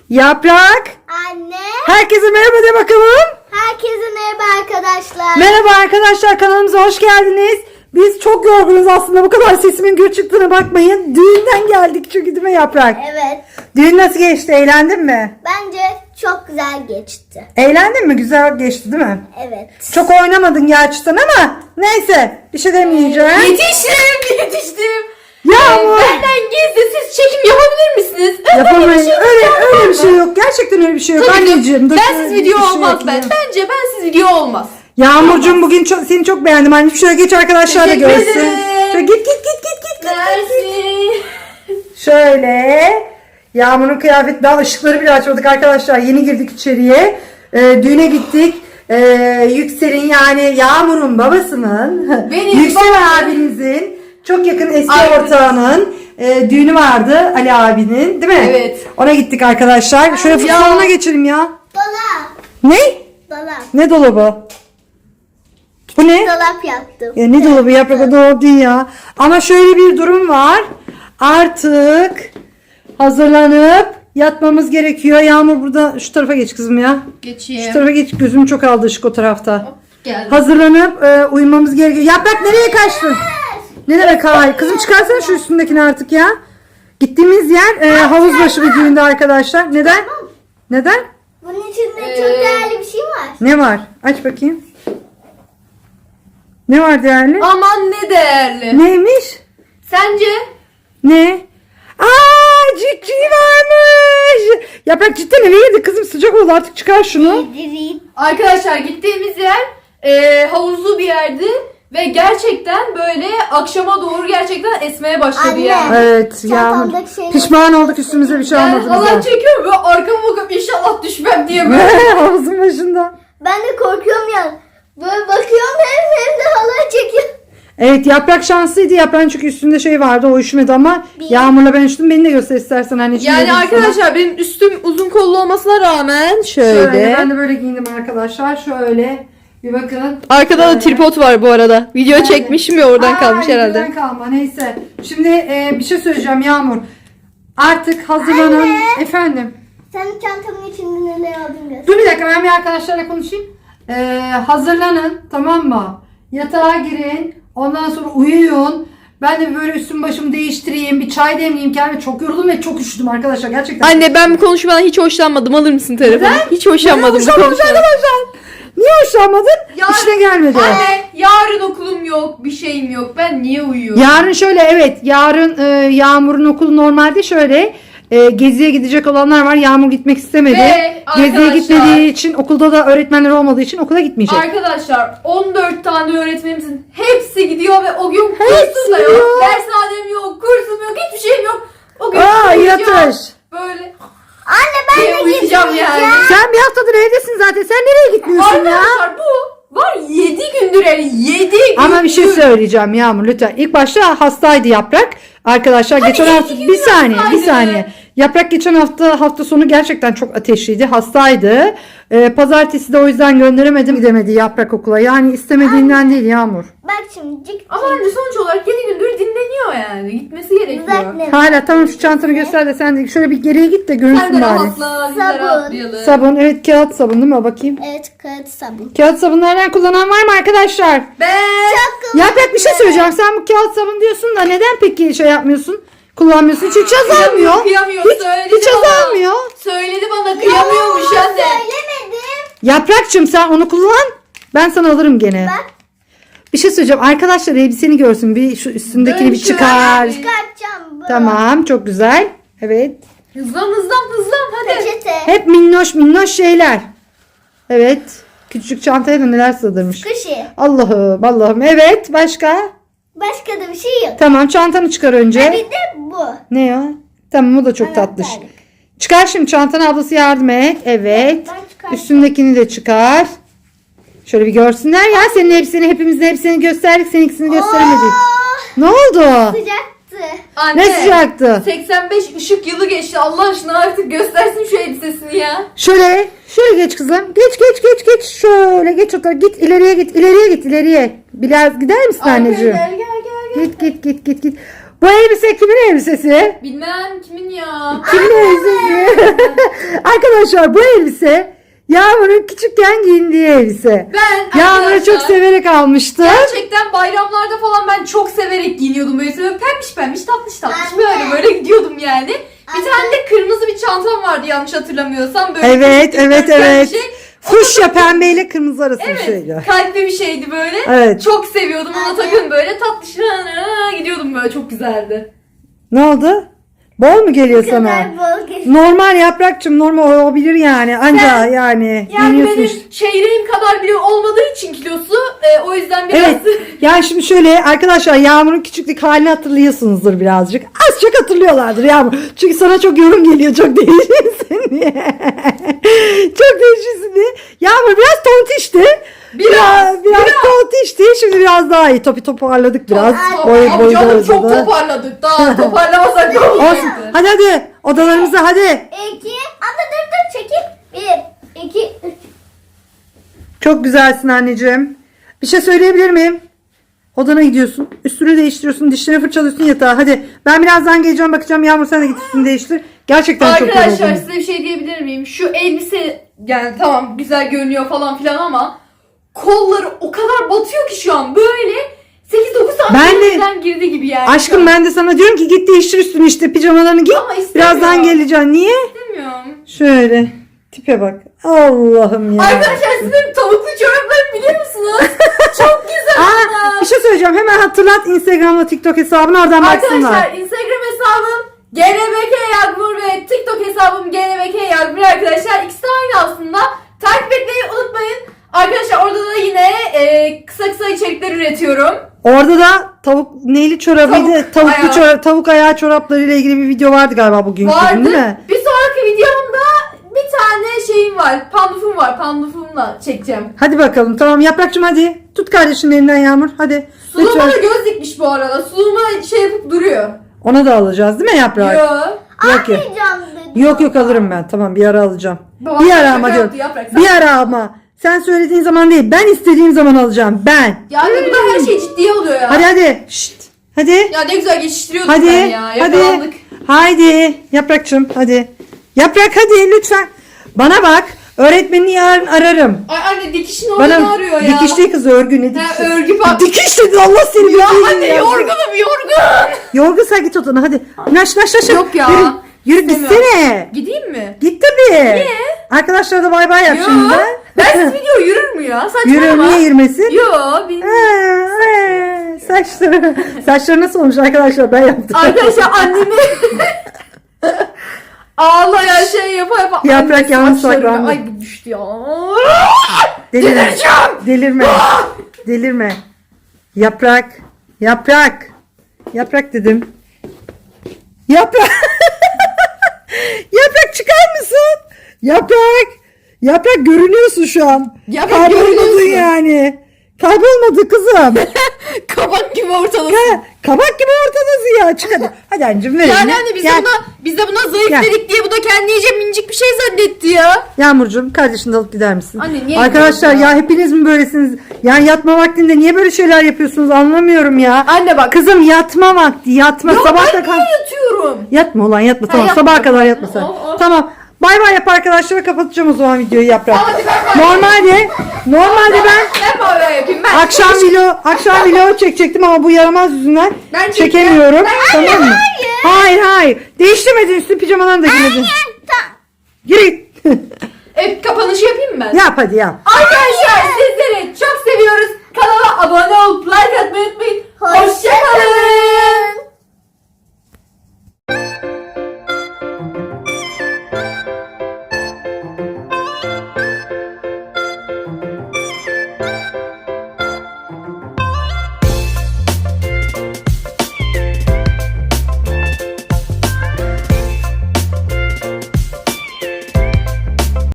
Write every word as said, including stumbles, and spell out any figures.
Yaprak. Anne. Herkese merhaba de bakalım. Herkese merhaba arkadaşlar. Merhaba arkadaşlar, kanalımıza hoş geldiniz. Biz çok yorgunuz aslında, bu kadar sesimin gür çıktığına bakmayın. Düğünden geldik çünkü, değil mi Yaprak? Evet. Düğün nasıl geçti, eğlendin mi? Bence çok güzel geçti. Eğlendin mi? Güzel geçti değil mi? Evet. Çok oynamadın gerçekten ama neyse, bir şey demeyeceğim. Yetiştim, yetiştim. Yağmur. Ee, benden gizli siz çekim yapabilir misiniz? Öyle Yapamayız. bir şey yok, Öyle, yapamam öyle bir mı? şey yok. Gerçekten öyle bir şey yok. Tabii ki. Anneciğim. dur, Bensiz dur, video bir şey olmaz ben. ekleyeyim. Bence bensiz video olmaz. Yağmurcuğum bugün çok, seni çok beğendim. Anneciğim şöyle geç, arkadaşlar da Teşekkür görsün. ederim. Şöyle git git git git git. git. Dersin. Şöyle. Yağmur'un kıyafeti, daha ışıkları bile açmadık arkadaşlar. Yeni girdik içeriye. Ee, düğüne gittik. Ee, Yüksel'in, yani Yağmur'un babasının, Benim Yüksel babam. abinizin çok yakın eski Aynen. ortağının e, düğünü vardı, Ali abinin, değil mi? Evet. Ona gittik arkadaşlar. Şöyle Ya. salona geçelim ya. Dolap. Ne? Dolap. Ne dolabı? Bu ne? Dolap yaptım. Ya ne dolabı Yaprak, o dolap değil ya. Ama şöyle bir durum var. Artık hazırlanıp yatmamız gerekiyor. Yağmur burada, şu tarafa geç kızım ya. Geçeyim. Şu tarafa geç, gözüm çok aldı ışık o tarafta. Geldim. Hazırlanıp e, uyumamız gerekiyor. Yaprak nereye kaçtın? Ne demek hayır? Kızım çıkarsana şu üstündekini artık ya. Gittiğimiz yer e, havuz başı bir düğünde arkadaşlar. Neden? Neden? Bunun içinde Ee, çok değerli bir şey var. Ne var? Aç bakayım. Ne var değerli? Aman ne değerli. Neymiş? Sence? Ne? Aa, cikci varmış. Yaprak cidden eve girdi kızım, sıcak oldu, artık çıkar şunu. Diri. Arkadaşlar gittiğimiz yer e, havuzlu bir yerdi. Ve gerçekten böyle akşama doğru gerçekten esmeye başladı Anne. yani. Evet Yağmur. Çantamdaki şeyler- Pişman olduk, üstümüze bir şey Ben almadığımıza. halay çekiyorum ve arkama bakıp inşallah düşmem diye böyle. Havuzun başında. Ben de korkuyorum ya. Böyle bakıyorum hem hem de halay çekiyorum. Evet, Yaprak şanslıydı. Yaprağın çünkü üstünde şey vardı, o üşümedi ama Bir- Yağmur'la ben üşüdüm. Beni de göster istersen anneciğim. Yani dedim sana. arkadaşlar benim üstüm uzun kollu olmasına rağmen şöyle. Şöyle, ben de böyle giyindim arkadaşlar. Şöyle bir bakın. Arkada da Şöyle. tripod var bu arada. Video Evet. çekmişim ya oradan Aa, kalmış herhalde. Oradan kalma, neyse. Şimdi e, bir şey söyleyeceğim Yağmur. Artık hazırlanın. Anne. Efendim. Senin çantamın içinde neler aldın göster. Dur bir dakika, ben bir arkadaşlarla konuşayım. Ee, hazırlanın, tamam mı? Yatağa girin. Ondan sonra uyuyun. Ben de böyle üstüm başımı değiştireyim. Bir çay demleyeyim kendime. Çok yoruldum ve çok üşüdüm arkadaşlar. Gerçekten. Anne ben bu konuşmadan hiç hoşlanmadım. Alır mısın telefonu? Neden? Hiç hoşlanmadım bu Hoşlanmadın konuşmadan. arkadaşlar. Niye hoşlanmadın? Yarın- İşine gelmedi. Anne yarın okulum yok. Bir şeyim yok. Ben niye uyuyorum? Yarın şöyle, evet. Yarın e, Yağmur'un okulu normalde şöyle. E, geziye gidecek olanlar var. Yağmur gitmek istemedi. Ve Geziye arkadaşlar- gitmediği için, okulda da öğretmenler olmadığı için okula gitmeyecek. Arkadaşlar on dört tane öğretmenimizin hepsi gidiyor ve o gün Hepsi kursum da gidiyor. yok. Dershanem yok, kursum yok, hiçbir şeyim yok. O gün Aa, uyuyacağım. yatış. Böyle Anne ben diye de uyuyacağım gitmeyeceğim. yani. Sen bir haftadır evdesin zaten. Sen nereye gitmiyorsun ya? Arkadaşlar bu var yedi gündür yani yedi gündür. Ama bir şey söyleyeceğim Yağmur lütfen. İlk başta hastaydı Yaprak. Arkadaşlar Hadi geçen iki hafta gün bir saniye bir hastaydı. saniye. Yaprak geçen hafta hafta sonu gerçekten çok ateşliydi. Hastaydı. Ee, pazartesi de o yüzden gönderemedim. Gidemedi Yaprak okula. Yani istemediğinden değil Yağmur. Bak şimdi cik Ama anne sonuç olarak yedi gündür dinleniyor yani. Gitmesi gerekiyor. Düzeltme. Hala tamam, şu çantanı göster de sen de şöyle bir geriye git de Sen görünsün de bari. rahatla, biz de Sabun. rahatlayalım. Sabun, evet, kağıt sabun değil mi? Bakayım. Evet, kağıt sabun. Kağıt sabunlardan kullanan var mı arkadaşlar? Ben Çok Yaprak bir şey söyleyeceğim. Sen bu kağıt sabun diyorsun da neden peki şey yapmıyorsun? Kullanmıyorsun. Hiç, hiç azalmıyor. Kıyamıyor, Hiç, söyledi hiç bana. azalmıyor. Söyledi bana kıyamıyormuş Yalan anne. söylemedim. Yaprakçım sen onu kullan. Ben sana alırım gene. Bak. Bir şey söyleyeceğim. Arkadaşlar elbiseni görsün. Bir şu üstündekini Dön bir şöyle. çıkar. Çıkartacağım bu. Tamam, çok güzel. Evet. Hızlan hızlan hızlan hadi. Peçete. Hep minnoş minnoş şeyler. Evet. Küçük çantaya da neler sığdırmış. Kışı. Allah'ım Allah'ım. Evet, başka? Başka da bir şey yok. Tamam, çantanı çıkar Bir önce. de bu. Ne ya? Tamam, o da çok tatlış. Anahtarlık. Çıkar şimdi çantanı, ablası yardım et. Evet. Ben çıkartayım. Üstündekini de çıkar. Şöyle bir görsünler ya. Senin hepsini, hepimizin hepsini gösterdik. Seninkisini gösteremedik. Oh, Ne oldu? sıcaktı. Anne. Ne sıcaktı? seksen beş ışık yılı geçti. Allah aşkına artık göstersin şu elbisesini ya. Şöyle, şöyle geç kızım. Geç, geç, geç, geç. Şöyle geç otur. Git ileriye git, ileriye git, ileriye. Biraz gider misin anneciğim? Gel gel gel gel. Git, git, git, git, git. Bu elbise kimin elbisesi? Bilmem kimin ya. Kimin elbisesi? Arkadaşlar bu elbise Yağmur'un küçükken giyindiği elbise. Ben Yağmur'u arkadaşlar, çok severek almıştım. gerçekten bayramlarda falan ben çok severek giyiniyordum. Böyle böyle pembiş pembiş tatlış tatlış Anne. böyle böyle gidiyordum yani. Bir Anne. tane de kırmızı bir çantam vardı yanlış hatırlamıyorsam. Böyle Evet, küçük evet, dikdörtgen bir evet. Şey. Fuşya pembeyle kırmızı arası bir Evet, şeydi. kalpli bir şeydi böyle. Evet. Çok seviyordum. Ona Anne. takıyordum böyle tatlış gidiyordum böyle, çok güzeldi. Ne oldu? Bol mu geliyor sana? kadar bol geçti. Normal Yaprakçım, normal olabilir yani. Anca Sen- yani. Yani giyiniyorsun benim işte. çeyreğim kadar bile olmadığı için kilosu e, o yüzden biraz Evet. Yani şimdi şöyle arkadaşlar, Yağmur'un küçüklük halini hatırlıyorsunuzdur birazcık. Az çok hatırlıyorlardır Yağmur. Çünkü sana çok yorum geliyor. Çok değişirsin diye. Çok değişirsin diye. Yağmur biraz tontişti. Biraz, Biraz, biraz, biraz. tontişti. Şimdi biraz daha iyi. Topu toparladık biraz. Top- Boy, Top- boy, canım boy, çok boy. toparladık. Daha toparlamasak ne Olsun. olacaktı? Hadi hadi. Odalarımıza hadi. İki. Anne dur dur çekil. Bir. İki. Üç. Çok güzelsin anneciğim. Bir şey söyleyebilir miyim? Odana gidiyorsun. Üstünü değiştiriyorsun. Dişlerini fırçalıyorsun, yatağa. Hadi. Ben birazdan geleceğim, bakacağım. Yağmur sen de git üstünü değiştir. Gerçekten çok Arkadaşlar yoruldum. size bir şey diyebilir miyim? Şu elbise yani tamam güzel görünüyor falan filan ama kolları o kadar batıyor ki şu an böyle sekiz dokuz Ben de- santimden girdi gibi yani. Aşkım ben de sana diyorum ki git değiştir üstünü işte. Pijamalarını giy. Ama istemiyorum. Birazdan geleceğim. Niye? istemiyorum. Şöyle. Tipe bak. Allah'ım ya. Arkadaşlar siz benim tavuklu çoraplarımı biliyor musunuz? Çok güzel. Aa, bir şey söyleyeceğim. Hemen hatırlat Instagram'la TikTok hesabını, oradan baksınlar. Arkadaşlar Instagram hesabım G N B K Yağmur ve TikTok hesabım G N B K Yağmur arkadaşlar. İkisi de aynı aslında. Takip etmeyi unutmayın. Arkadaşlar orada da yine e, kısa kısa içerikler üretiyorum. Orada da tavuk neyli çorabıydı? Tavuk Tavuklu ayağı. çorap, tavuk ayağı çoraplarıyla ilgili bir video vardı galiba bugün. Vardı. Değil mi? Bir sonraki videomda bir tane şeyim var. Pandufum var. Pandufumla çekeceğim. Hadi bakalım. Tamam Yaprakçım hadi. Tut kardeşinin elinden Yağmur. Hadi. Suluğuma Lütfen. da göz dikmiş bu arada. Suluğuma şey yapıp duruyor. Ona da alacağız değil mi Yaprak? Yo. Yok yok. Almayacağım dedi. Yok yok alırım ben. Tamam bir ara alacağım. Babam bir ara şaka ama yaptı diyorum. Yaprak, sen- Bir ara ama. Sen söylediğin zaman değil. Ben istediğim zaman alacağım. Ben. Yani burada her şey ciddiye oluyor ya. Hadi hadi. Şşt. Hadi. Ya ne güzel geçiştiriyorduk Hadi. ben ya. Hadi. Yakalandık. Haydi. Yaprakçım hadi. Yaprak hadi lütfen. Bana bak. Öğretmenini yarın ararım. Ay anne dikişin orada Bana arıyor ya. dikiş değil kız, örgü ne Ha, dikişi? örgü bak. Dikiş dedi Allah seni. Ya bildiğin anne ya. yorgunum yorgun. Yorgun sen git odana hadi. Naş naş naş. Yok ya. Yürü, yürü İstemiyorum. gitsene. Gideyim mi? Git tabii. Niye? Arkadaşlar da bay bay yap Yo. şimdi. Ben siz video yürür mü ya? Yürü, Saçmalama. niye yürümesin? Yo bilmiyorum. Ha, ha, Saçları. Saçları nasıl olmuş arkadaşlar, ben yaptım. Arkadaşlar annemi ağlayan şey yapa yapa. Yaprak anne yalnız saçlarımı- saklandı. Ay bu düştü ya. Delirme. Delireceğim. Delirme. Delirme. Yaprak. Yaprak. Yaprak dedim. Yaprak. Yaprak çıkar mısın? Yaprak. Yaprak görünüyorsun şu an. Yaprak Kaybolmadın görünüyorsun. yani. Kaybolmadı kızım. Kabak gibi ortalasın. Ha, kabak gibi ortadasın ya. Çık hadi. Hadi anneciğim ver Yani elini. anne biz de Gel. buna biz de buna zayıf Gel. dedik diye bu da kendi iyice minicik bir şey zannetti ya. Yağmurcuğum kardeşini de alıp gider misin? Anne, niye Arkadaşlar gidiyorsun ya? ya? hepiniz mi böylesiniz? Yani yatma vaktinde niye böyle şeyler yapıyorsunuz anlamıyorum ya. Anne bak. Kızım yatma vakti yatma. Ya Sabah ben da kal. niye yatıyorum? Yatma ulan yatma, tamam yatma. sabaha kadar yatma sen. Oh, oh. Tamam. Bay bay yap arkadaşlar, kapatacağım o zaman videoyu Yaprak. Hadi ben bay. Normalde normalde ben Ben bay bay yapayım. Ben akşam video akşam video çekecektim ama bu yaramaz yüzünden Ben çekemiyorum. çekeceğim. Tamam mı? Hayır hayır. Değiştirmedin, üstü pijamalarını da giymedin. Gir git. E, kapanışı yapayım mı ben? Yap hadi yap. Arkadaşlar sizleri çok seviyoruz. Kanala abone olmayı